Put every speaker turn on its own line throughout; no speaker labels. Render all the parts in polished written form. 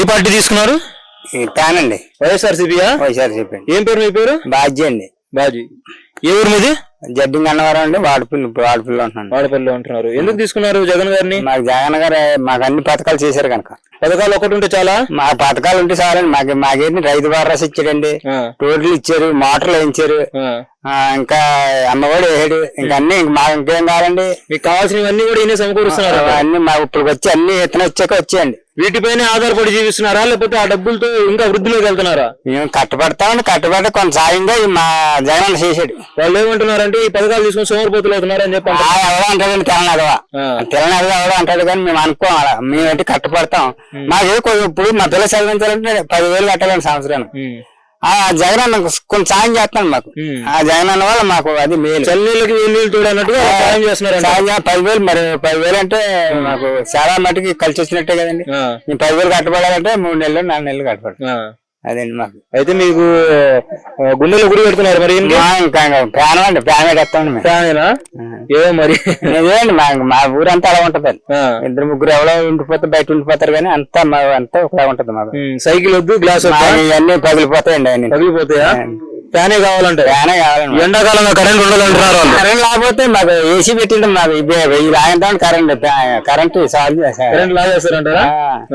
Party తీసుకున్నారు?
Pan అండి.
వైఎస్ఆర్సీపీయా?
వైఎస్ఆర్సీపీ.
ఏం పేరు మీ పేరు?
బాజీ అండి.
బాజీ. ఏ ఊరు మీది?
జడ్డింగ్ అన్నవరం అండి. వాడపల్లి ఉంటున్నాను.
వాడపల్లిలో ఉంటున్నారు. ఎందుకు తీసుకున్నారు జగన్ గారిని?
మాకు జగన్ గారు మాకు అన్ని పథకాలు చేశారు కనుక.
పథకాలు ఒకటి ఉంటే చాలా?
మా పథకాలు ఉంటే చాలండి. మాకేంటి రైతు భరోసా ఇచ్చాడండి, రోడ్లు ఇచ్చారు, మోటార్లు వేయించారు, ఇంకా అమ్మఒడి వేసాడు. ఇంకా అన్ని మాకు ఇంకేం కావాలండి?
మీకు కావాల్సినవన్నీ కూడా ఈయన సమకూరుస్తున్నారు.
అన్ని మాకు ఇప్పుడు వచ్చి అన్ని ఇతను వచ్చాక వచ్చాయండి.
వీటిపైన ఆధారపడి జీవిస్తున్నారా లేకపోతే ఆ డబ్బులతో ఇంకా వృద్ధిలోకి వెళ్తున్నారా?
మేము కట్టబడతామని కట్టబడి కొంత సాయంగా మా జగన్ చేశాడు.
వాళ్ళు ఏమంటున్నారంటే ఈ పథకాలు తీసుకుని సోమరిపోతులు అవుతున్నారని చెప్పి
ఎవడో అంటాడండి. తెలంగాణ ఎవడో అంటాడు కానీ మేము అనుకోం. అలా మేమేంటి కట్టపడతాం. మాకు ఇప్పుడు మా పిల్లలు చదివించాలంటే 10,000 కట్టాలండి సంవత్సరానికి. ఆ జగన్ అన్న కొంచెం సాయం చేస్తున్నాడు మాకు. ఆ జగన్ అన్న వల్ల మాకు అది మేలు.
చల్లనీళ్ళకి నీళ్ళు చూడన్నట్టుగా సాయం చేస్తున్నారు.
సాయం 10,000 మరి 10,000 అంటే మాకు చాలా మటుకి కలిసి వచ్చినట్టే కదండి. మేము 10,000 కట్టబడాలంటే 3 నెలలు 4 నెలలు కట్టబడి అదండి మాకు.
అయితే మీకు గుండెలో గుడి పెడుతున్నారు మరి?
ఇంకా ఫ్యాన్ అండి. ఫ్యాన్ పెట్టేస్తామండి.
ఫ్యానేనా? ఏమో మరి
నిజమేండి. మా ఊరంతా అలా ఉంటది. 2-3 ఎవరో ఉండిపోతే బయట ఉండిపోతారు కానీ అంతా ఒకలా ఉంటది మాకు.
సైకిల్ వద్దు, గ్లాస్
ఇవన్నీ పగిలిపోతాయండి. అన్ని
పగిలిపోతాయా? ఫ్యానే కావాలంటే
ఫ్యానే కావాలండి.
ఎండాకాలంలో కరెంట్ ఉండదంటున్నారు.
కరెంట్ లేకపోతే మాకు ఏసీ పెట్టింటాం. మాకు లాగంతా కరెంట్
లాగేస్తారంటారా?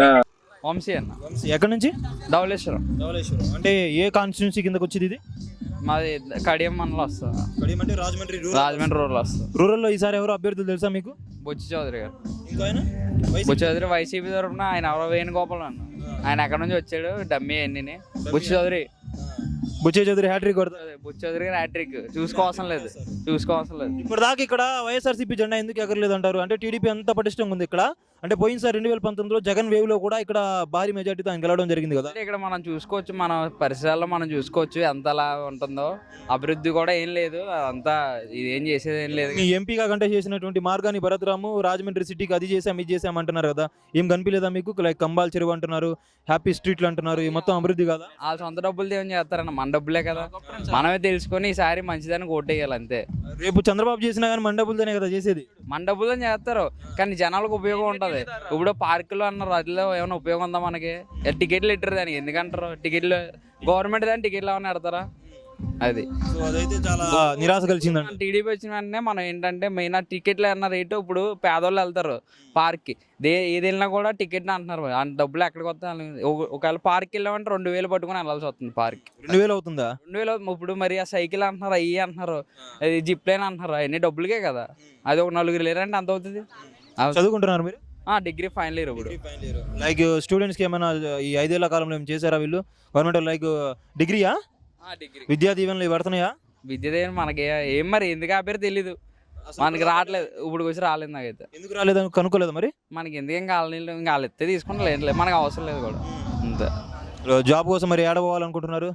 వంశీ అన్న.
వంశీ ఎక్కడి నుంచి?
ధవళేశ్వరం.
ధవళేశ్వరం అంటే ఏ కాన్స్టిట్యున్సీ కిందకి వచ్చేది ఇది?
మాది కడియం మండలం వస్తుంది.
కడియం అంటే రాజమండ్రి
రూరల్ వస్తుంది.
రూరల్లో ఈసారి ఎవరు అభ్యర్థులు తెలుసా మీకు?
బొచ్చి చౌదరి గారు.
ఇంకా ఆయన
బొచ్చి చౌదరి వైసీపీ తరఫున ఆయన ఎవరో వేణుగోపాల్ అన్న. ఆయన ఎక్కడి నుంచి వచ్చాడు? డమ్మీ అన్ని. బొచ్చి చౌదరి
హ్యాట్రిక్ కొడతారు.
బొచ్చి చౌదరి గారు హ్యాట్రిక్. చూసుకోవాల్సిన లేదు.
ఇప్పుడు దాకా ఇక్కడ వైఎస్ఆర్సీపీ జెండా ఎందుకు ఎగరలేదు అంటారు? అంటే టీడీపీ అంత పటిష్టంగా ఉంది ఇక్కడ. అంటే పోయినసారి 2019లో జగన్ వేవ్ లో కూడా ఇక్కడ భారీ మెజార్టీతో ఆయన గెలవడం జరిగింది కదా.
ఇక్కడ మనం చూసుకోవచ్చు, మన పరిసరాల్లో మనం చూసుకోవచ్చు ఎంతలా ఉంటుందో. అభివృద్ధి కూడా ఏం లేదు. అంతా ఇదేం చేసేది ఏం లేదు.
మీ ఎంపీగా కంటే చేసినటువంటి మార్గాని భరత్రాము రాజమండ్రి సిటీకి అది చేసాం ఇది చేసాం అంటున్నారు కదా. ఏం కనిపించలేదా మీకు? లైక్ కంబాల్ చెరువు అంటున్నారు, హ్యాపీ స్ట్రీట్లు అంటున్నారు. ఈ మొత్తం అభివృద్ధి కదా.
వాళ్ళ సొంత డబ్బులు ఏం చేస్తారన్న? మన డబ్బులే కదా. మనమే తెలుసుకొని ఈసారి మంచిదని ఓటేయాలి అంతే.
రేపు చంద్రబాబు చేసినా కానీ మన డబ్బులతోనే కదా చేసేది.
మన డబ్బులని చేస్తారు కానీ జనాలకు ఉపయోగం ఉంటుంది. ఇప్పుడు పార్కులు అన్నారు, అదిలో ఏమైనా ఉపయోగం ఉందా మనకి? టికెట్లు ఇట్టరు దానికి. ఎందుకంటారు టికెట్లు? గవర్నమెంట్ దాని టికెట్లు ఏమైనా పెడతారా? అది
అదైతే చాలా నిరాశ కలిసిందండి.
టీడీపీ వచ్చిన వెంటనే మనం ఏంటంటే మెయిన్ టికెట్లు అన్న రేటు. ఇప్పుడు పేదోళ్ళు వెళ్తారు పార్క్కి, ఏది వెళ్ళినా కూడా టికెట్ అంటున్నారు. ఆ డబ్బులు ఎక్కడికి వస్తాయి? ఒకవేళ పార్క్ వెళ్ళామంటే 2,000 పట్టుకుని వెళ్ళాల్సి వస్తుంది. పార్క్
2,000 అవుతుందా?
2,000. ఇప్పుడు మరి ఆ సైకిల్ అంటున్నారు, అయ్యి అంటున్నారు, అది జిప్ లైన్ అంటున్నారు. అవన్నీ డబ్బులకే కదా. అది ఒక 4 లేరంటే అంత అవుతుంది.
చదువుకుంటున్నారు మీరు?
Degree final year. ఇప్పుడు
లైక్ స్టూడెంట్స్ కి ఏమైనా ఈ 5 ఏళ్ల కాలంలో ఏం చేశారా వీళ్ళు? Government like డిగ్రీయా?
డిగ్రీ
విద్యా దీవెనలు పడుతున్నాయా?
విద్య దీవెన మనకి ఏం మరి ఎందుకు ఆపేరు తెలీదు. మనకి రావట్లేదు. ఇప్పుడు వచ్చి రాలేదు. నాకైతే
ఎందుకు రాలేదు కనుక్కోలేదు మరి.
మనకి ఎందుకేం కాలేదు. ఇంకా వాళ్ళు ఎత్తే తీసుకుంటా లేదు. మనకు అవసరం లేదు కూడా అంతే.
జాబ్ కోసం మరి ఏడపోవాలనుకుంటున్నారు?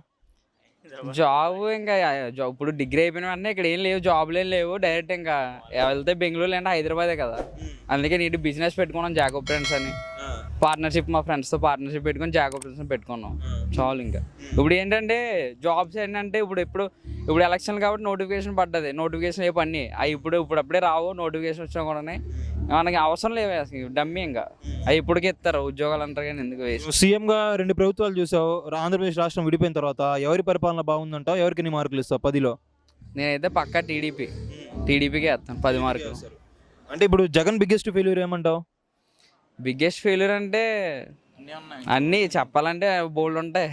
జాబ్ ఇంకా ఇప్పుడు డిగ్రీ అయిపోయిన వెంటనే ఇక్కడ ఏం లేవు, జాబ్లు ఏం లేవు. డైరెక్ట్ ఇంకా వెళ్తే బెంగళూరు అంటే హైదరాబాదే కదా. అందుకే నీటి బిజినెస్ పెట్టుకున్నాం జాకబ్ ఫ్రెండ్స్ అని. పార్ట్నర్షిప్ మా ఫ్రెండ్స్తో పార్ట్నర్షిప్ పెట్టుకొని జాకబ్ ఫ్రెండ్స్ పెట్టుకున్నాం. చాలు. ఇంకా ఇప్పుడు ఏంటంటే జాబ్స్ ఏంటంటే ఇప్పుడు ఎలక్షన్ కాబట్టి నోటిఫికేషన్ పడ్డది. నోటిఫికేషన్ ఏ పని అవి ఇప్పుడప్పుడే రావు. నోటిఫికేషన్ వచ్చినా కూడా మనకి అవసరం లేవు అసలు. డమ్మీ ఇంకా అవి ఇప్పటికే ఇస్తారు ఉద్యోగాలు అంటారు కానీ ఎందుకు వేసి.
సీఎంగా 2 ప్రభుత్వాలు చూసావు. ఆంధ్రప్రదేశ్ రాష్ట్రం విడిపోయిన తర్వాత ఎవరి పరిపాలన బాగుందంటావు? ఎవరికి ఎన్ని మార్కులు ఇస్తావు 10లో?
నేనైతే పక్కా టీడీపీకే వేస్తాను 10 మార్కులు.
అంటే ఇప్పుడు జగన్ బిగ్గెస్ట్ ఫెయిల్యూర్ ఏమంటావు?
బిగ్గెస్ట్ ఫెయిల్యూర్ అంటే అన్నీ చెప్పాలంటే బోల్డ్ ఉంటాయి.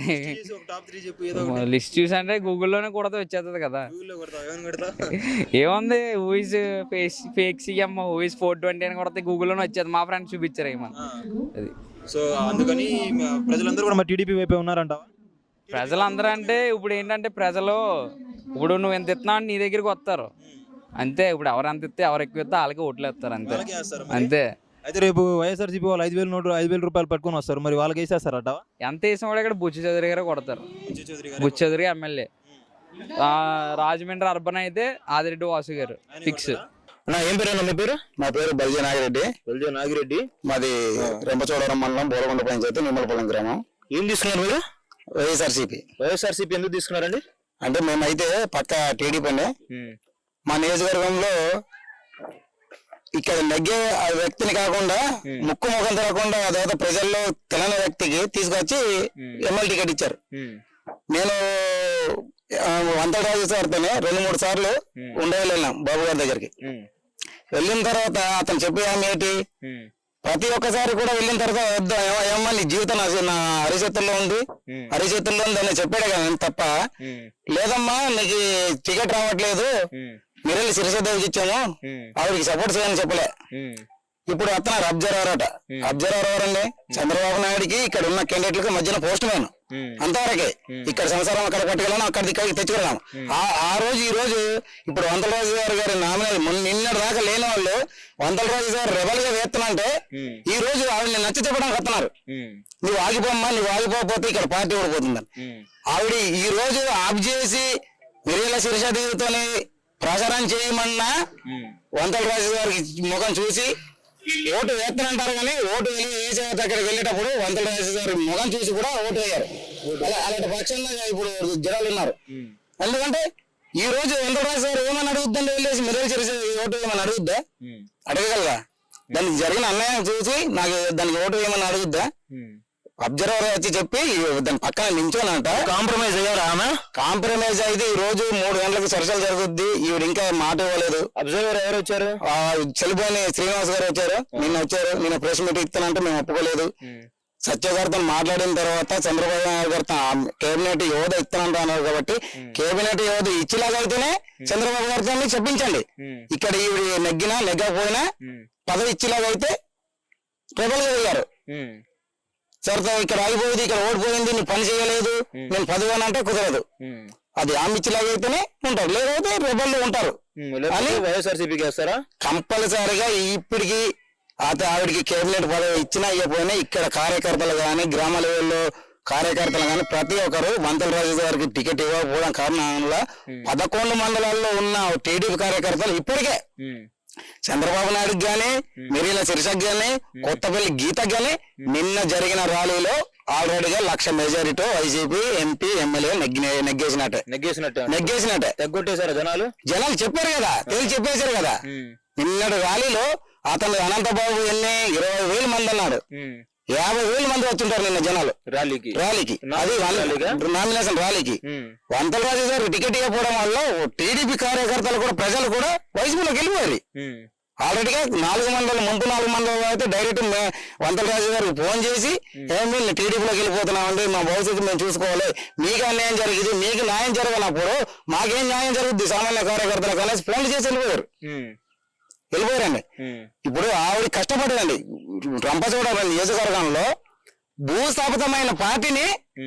లిస్ట్ చూసి అంటే గూగుల్లోనే కూడా వచ్చేస్తుంది కదా. ఏముంది హూఇస్ ఫేక్ సీఎం, హూఇస్ 420 అని కొడితే గూగుల్లోనే వచ్చేది. మా ఫ్రెండ్స్ చూపించారు ఏమన్నా. అది
సో అందుకని ప్రజలందరూ కూడా టీడీపీ వైపే ఉన్నారంటావా?
ప్రజలందరూ అంటే ఇప్పుడు ఏంటంటే ఇప్పుడు నువ్వు ఎంత ఇస్తున్నావు నీ దగ్గరికి వస్తారు అంతే. ఇప్పుడు ఎవరు ఎంత ఇస్తే ఎవరు ఎక్కువ ఇస్తే వాళ్ళకి ఓట్లు వేస్తారు అంతే.
అయితే రేపు వైఎస్ఆర్సీపీ వాళ్ళు 5,000 రూపాయలు పట్టుకొని వస్తారు. మరి వాళ్ళకి వేసేస్తారట?
ఎంత వేసిన కూడా ఇక్కడ బుచ్చి చౌదరి గారు కొడతారు. బుచ్చి చౌదరి ఎమ్మెల్యే. రాజమండ్రి అర్బన్ అయితే ఆదిరెడ్డి వాసు గారు ఫిక్స్.
ఏం పేరు? మీ పేరు? మా పేరు బల్జే నాగిరెడ్డి. మాది రెంపచోడవరం మండలం బోరగొండ పంచాయతీ నిమ్మలపల్లం గ్రామం.
ఏం తీసుకున్నారు మీరు?
వైఎస్ఆర్సీపీ
ఎందుకు తీసుకున్నారండి?
అంటే మేమైతే పక్క టీడీపీ అండి. మా నియోజకవర్గంలో ఇక్కడ నెగ్గే ఆ వ్యక్తిని కాకుండా ముక్కు ముఖం తెరకుండా అదేదో ప్రజల్లో తెలంగాణ వ్యక్తికి తీసుకొచ్చి ఎమ్మెల్యే టికెట్ ఇచ్చారు. నేను వంతరాజు సార్తోనే 2-3 సార్లు ఉండవెళ్ళాం బాబు గారి దగ్గరికి. వెళ్ళిన తర్వాత అతను చెప్పే ఆమె ఏంటి, ప్రతి ఒక్కసారి కూడా వెళ్ళిన తర్వాత వద్దా ఏమన్నా నీ జీవితం నా అరిచేతుల్లో ఉంది అని చెప్పాడు కానీ తప్ప లేదమ్మా నీకు టికెట్ రావట్లేదు మీరు శిరసదేవికి ఇచ్చాము ఆవిడకి సపోర్ట్ చేయని చెప్పలే. ఇప్పుడు అతను అబ్జర్వర్ అండి చంద్రబాబు నాయుడికి ఇక్కడ ఉన్న క్యాండిడేట్లకు మధ్యన పోస్ట్ మ్యాన్ అంతవరకే. ఇక్కడ సంవత్సరం అక్కడ పట్టుకెళ్ళాను ఇక్కడికి తెచ్చుకున్నాము. ఆ రోజు ఈ రోజు ఇప్పుడు వంతలరాజు గారి నామినల్ నిన్నటి దాకా లేని వాళ్ళు వంతలరాజు గారు రెబల్ గా వేస్తున్నాంటే ఈ రోజు ఆవిడని నచ్చ చెప్పడానికి వస్తున్నారు. నువ్వు ఆగిపోమ్మా, నువ్వు ఆగిపోతే ఇక్కడ పార్టీ ఓడిపోతుందని. ఆవిడ ఈ రోజు ఆఫ్ చేసి మిరియల శిరీషాదేవితోని ప్రచారం చేయమన్నా వంతలరాజు గారికి ముఖం చూసి ఓటు వేస్తానంటారు కానీ ఓటు వేసే అక్కడికి వెళ్ళేటప్పుడు వంతలరాజు గారి ముఖం చూసి కూడా ఓటు వేయారు. అలాంటి పక్షంగా ఇప్పుడు జనాలు ఉన్నారు. ఎందుకంటే ఈ రోజు వంతలరాజు గారు ఏమని అడుగుద్దండి, వెళ్ళేసి మిరియల శిరీష ఓటు వేయమని అడుగుద్దా? అడగగలరా? దానికి జరిగిన అన్యాయం చూసి నాకు దానికి ఓటు వేయమని అడుగుద్దా? అబ్జర్వర్ వచ్చి చెప్పి దాని పక్కన నించోనంట కాంప్రమైజ్ అయ్యారు. ఆమె కాంప్రమైజ్ అయితే ఈ రోజు 3 గంటలకు చర్చలు జరుగుద్ది. ఈవిడ ఇంకా మాట ఇవ్వలేదు. అబ్జర్వర్ ఎవరు వచ్చారు? చెలిపోయిన శ్రీనివాస్ గారు వచ్చారు. నిన్న ప్రెస్ మీట్ ఇస్తానంటే మేము ఒప్పుకోలేదు. సత్య గారితో మాట్లాడిన తర్వాత చంద్రబాబు నాయుడు గారితో కేబినెట్ యోధ ఇస్తానంటున్నారు కాబట్టి కేబినెట్ యోధ ఇచ్చేలాగా అయితేనే చంద్రబాబు గారితో చెప్పించండి. ఇక్కడ ఈవిడ నెగ్గకపోయినా పదవి ఇచ్చేలాగా అయితే ట్రిబల్ గా అయ్యారు. సరే ఇక్కడ ఆగిపోయింది, ఇక్కడ ఓడిపోయింది, నువ్వు పని చేయలేదు, నేను పదవి అంటే కుదరదు. అది ఆమె ఇచ్చేలాగా అయితేనే ఉంటారు, లేకపోతే రెబల్ ఉంటారు అని వైఎస్ఆర్సీపీకి వేస్తారా కంపల్సరిగా. ఇప్పటికి ఆవిడికి కేబినెట్ పదవి ఇచ్చినా ఇవ్వకపోయినా ఇక్కడ కార్యకర్తలు కానీ గ్రామ లెవెల్లో కార్యకర్తలు కానీ ప్రతి ఒక్కరు వంతలరాజు గారికి టికెట్ ఇవ్వకపోవడం కారణంగా 11 మండలాల్లో ఉన్న టీడీపీ కార్యకర్తలు ఇప్పటికే చంద్రబాబు నాయుడుకి గాని మిరియల శిరీషకి గాని కొత్తపల్లి గీతకి గాని నిన్న జరిగిన ర్యాలీలో ఆల్రెడీగా 1,00,000 మెజారిటీ వైసీపీ ఎంపీ ఎమ్మెల్యే నెగ్గేసినట్టే తగ్గొట్టేశారు. జనాలు చెప్పారు కదా, చెప్పేశారు కదా. నిన్నటి ర్యాలీలో అతను అనంతబాబు ఎన్ని 20,000 మంది అన్నాడు. 50,000 మంది వచ్చుంటారు నిన్న జనాలు ర్యాలీకి. అది నామినేషన్ ర్యాలీకి. వంతలరాజు గారు టికెట్ ఇవ్వకపోవడం వల్ల టీడీపీ కార్యకర్తలు కూడా ప్రజలు కూడా వైసీపీలోకి వెళ్ళిపోయారు. ఆల్రెడీగా 4 మండలం ముందు 4 మండలం అయితే డైరెక్ట్ వంతలరాజు గారికి ఫోన్ చేసి ఏమి టీడీపీలోకి వెళ్ళిపోతున్నామండి, మా భవిష్యత్తు మేము చూసుకోవాలి, మీకు అన్యాయం జరిగింది, మీకు న్యాయం జరగనప్పుడు మాకేం న్యాయం జరుగుద్ది సామాన్య కార్యకర్తలు కలిసి ఫోన్లు చేసి వెళ్ళిపోయారండి. ఇప్పుడు ఆవిడ కష్టపడదండి. రంపచోడవరం నియోజకవర్గంలో భూస్థాపితమైన పార్టీని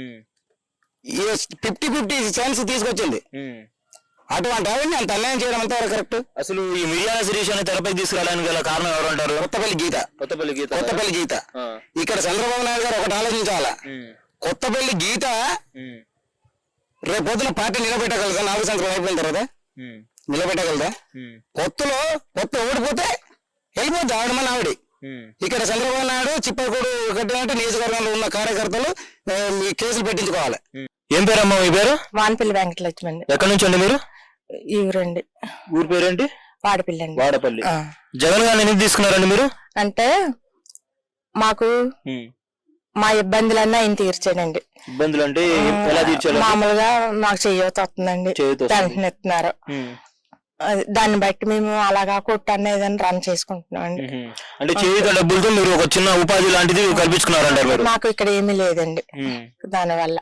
50-50 ఛాన్స్ తీసుకొచ్చింది. అటువంటి ఆవిడని అంత అన్యాయం చేయడం అంతా కరెక్ట్. అసలు ఈ మిరియాల శిరీష్ అని తెరపై తీసుకురావడానికి గల కారణం ఎవరు అంటారు? కొత్తపల్లి గీత. ఇక్కడ చంద్రబాబు నాయుడు గారు ఒకటి ఆలోచించాలా, కొత్తపల్లి గీత రేపు పొద్దున పార్టీ నిలబెట్టగలదా? 4 సంవత్సరాలు అయిపోయిన తర్వాత నిలబెట్టగలదా? కొత్త ఓడిపోతే వెళ్ళిపోద్ది ఆవిడ మన ఆవిడ. ఇక్కడ చంద్రబాబు నాయుడు చిప్పకూడు కట్టినట్టు నియోజకవర్గంలో ఉన్న కార్యకర్తలు కేసులు పెట్టించుకోవాలి. ఏం పేరమ్మా మీ పేరు?
వానపల్లి వెంకటలక్ష్మి అండి.
ఎక్కడి నుంచి అండి మీరు?
ఈ ఊరండి.
ఊరి పేరేంటి? వాడపల్లి. జగన్ గారిని ఎందుకు తీసుకున్నారండి మీరు? అంటే
మాకు మా ఇబ్బందులన్నీ ఆయన తీర్చాడండి.
ఇబ్బందులు అంటే ఎలా తీర్చారు?
మామూలుగా మాకు చెయ్యొచ్చు వస్తుందండి, పెన్షన్ ఇస్తున్నారు. దాన్ని బట్టి మేము అలాగా కొట్టు అనేది రన్ చేసుకుంటున్నాం అండి.
అంటే చేయుత డబ్బులతో మీరు ఒక చిన్న ఉపాధి లాంటిది కల్పించుకున్నారంటారు?
మాకు ఇక్కడ ఏమీ లేదండి. దాని వల్ల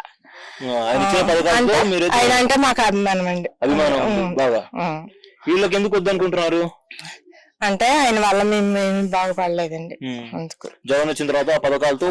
ఆయన అంటే మాకు అభిమానం అండి.
వీళ్ళకి ఎందుకు వద్దనుకుంటున్నారు?
అంటే ఆయన వల్ల మేము బాగుపడలేదండి. అందుకు
జగన్ వచ్చిన తర్వాత ఆ పథకాలతో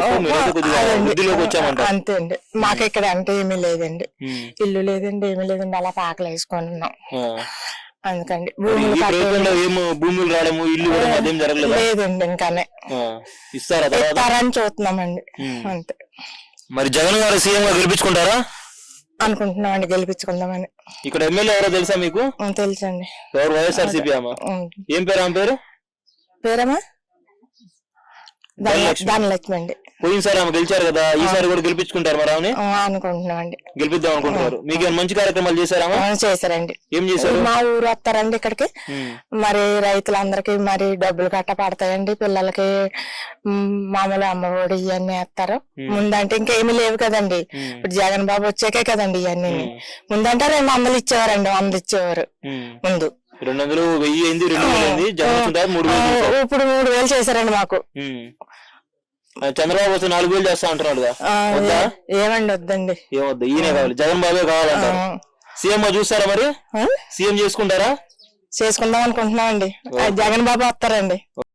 అంతే అండి. మాకు ఇక్కడ అంటే ఏమీ లేదండి, ఇల్లు లేదండి, ఏమీ లేదండి, అలా పాకలు వేసుకుంటున్నాం. అందుకండి
భూములు రావడము ఇల్లు
లేదండి, ఇంకానే ఇస్తారని చూస్తున్నామండి. అంతే.
మరి జగన్ గారు సీఎం గా గెలిపించుకుంటారా?
అనుకుంటున్నామండి, గెలిపించుకుందామని.
ఇక్కడ ఎమ్మెల్యే ఎవరో తెలుసా మీకు?
తెలుసండి.
ఎవరు? వైఎస్ఆర్సీపీ అమ్మా. ఏం పేరు ఆమె పేరు?
పేరమ్మా ధనలక్ష్మి అండి.
పోయినసారి ఆమె గెలిచారు కదా, ఈసారి కూడా గెలిపించుకుంటారు మరి ఆమెని?
అనుకుంటున్నామండి.
గెలిపిద్దాం అనుకుంటున్నారు. మీకేమైనా మంచి కార్యక్రమాలు చేశారా?
చేశారండి.
ఏం చేశారు?
మా ఊరు వస్తారండి ఇక్కడికి, మరి రైతులందరికి మరి డబ్బులు గట్ట పడతాయండి, పిల్లలకి మామూలు అమ్మఒడి ఇవన్నీ వేస్తారు. ముందంటే ఇంకేమీ లేవు కదండి, ఇప్పుడు జగన్ బాబు వచ్చాకే కదండి ఇవన్నీ. ముందంటే 200 ఇచ్చేవారండి, 100 ఇచ్చేవారు ముందు.
200, 1000 అయింది, 2000 అయింది. జగన్ 3000.
ఇప్పుడు 3000 చేశారండి మాకు.
చంద్రబాబు వస్తే 4000 చేస్తా అంటున్నాడు.
ఏమండి వద్దండి,
ఏమొద్దు, ఈయనే కావాలి, జగన్ బాబే కావాలంటారు. సీఎం చూస్తారా మరి? సీఎం చేసుకుంటారా?
చేసుకుందాం అనుకుంటున్నామండి. జగన్ బాబు వస్తారండి.